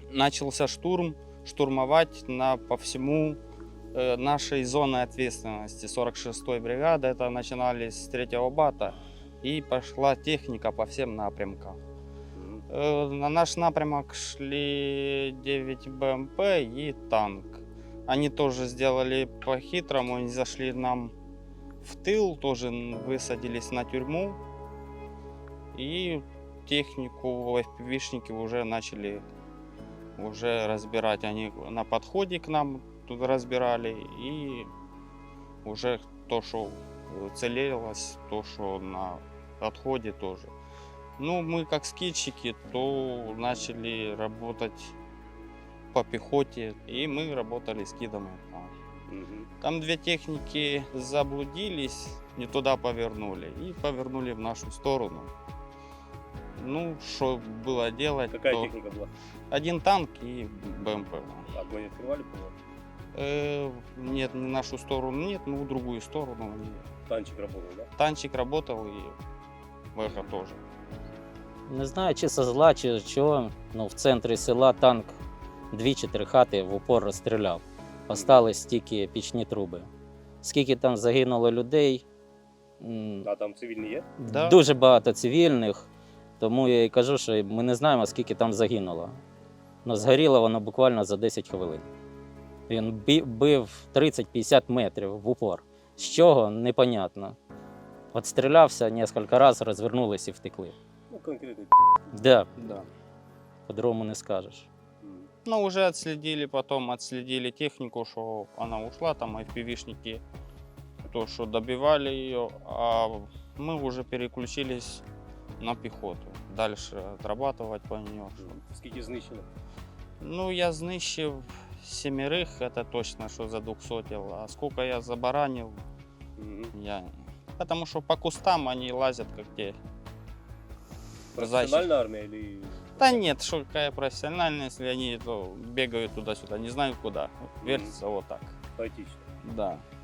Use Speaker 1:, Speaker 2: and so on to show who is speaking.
Speaker 1: начался штурм, штурмовать по всему нашей зоны ответственности 46-й бригады. Это начинались с 3-го бата, и пошла техника по всем напрямкам. На наш напрямок шли 9 БМП и танк. Они тоже сделали по-хитрому, они зашли нам в тыл, тоже высадились на тюрьму. И технику FPV-шники уже начали разбирать. Они на подходе к нам тут разбирали. И уже то, что целилось, то, что на отходе тоже. Ну, мы как скидчики, то начали работать по пехоте, и мы работали скидами. Там 2 техники заблудились, не туда повернули, и повернули в нашу сторону. Ну, что было делать?
Speaker 2: Какая техника была?
Speaker 1: 1 танк и БМП.
Speaker 2: Огонь открывали, по-моему?
Speaker 1: Нет, не в нашу сторону, нет, но в другую сторону.
Speaker 2: Танчик работал, да?
Speaker 1: Танчик работал, и ВХ тоже.
Speaker 3: Не знаю, чи со зла, чи чого, в центрі села танк 2-3 хати в упор розстріляв. Остались тільки пічні труби. Скільки там загинуло людей,
Speaker 2: А там цивільні є?
Speaker 1: Да.
Speaker 3: дуже багато цивільних, тому я і кажу, що ми не знаємо, скільки там загинуло. Но згоріло воно буквально за 10 хвилин. Він бив 30-50 метрів в упор. З чого? Непонятно. От стрілявся кілька разів, розвернулись і втекли.
Speaker 2: Ну, конкретно.
Speaker 3: Да,
Speaker 1: Да.
Speaker 3: по-другому не скажеш.
Speaker 1: Ну, уже отследили технику, что она ушла, там FPV-шники, то, что добивали ее, а мы уже переключились на пехоту. Дальше отрабатывать по нее.
Speaker 2: Скільки знищено?
Speaker 1: Ну, я знищив 7, это точно, что за 200, а сколько я забаранил, я... Потому что по кустам они лазят, как те.
Speaker 2: Професіональна армія или...
Speaker 1: Да нет, что какая профессиональная, если они бегают туда-сюда, не знаю куда, вертятся вот так.
Speaker 2: Хаотично?
Speaker 1: Да.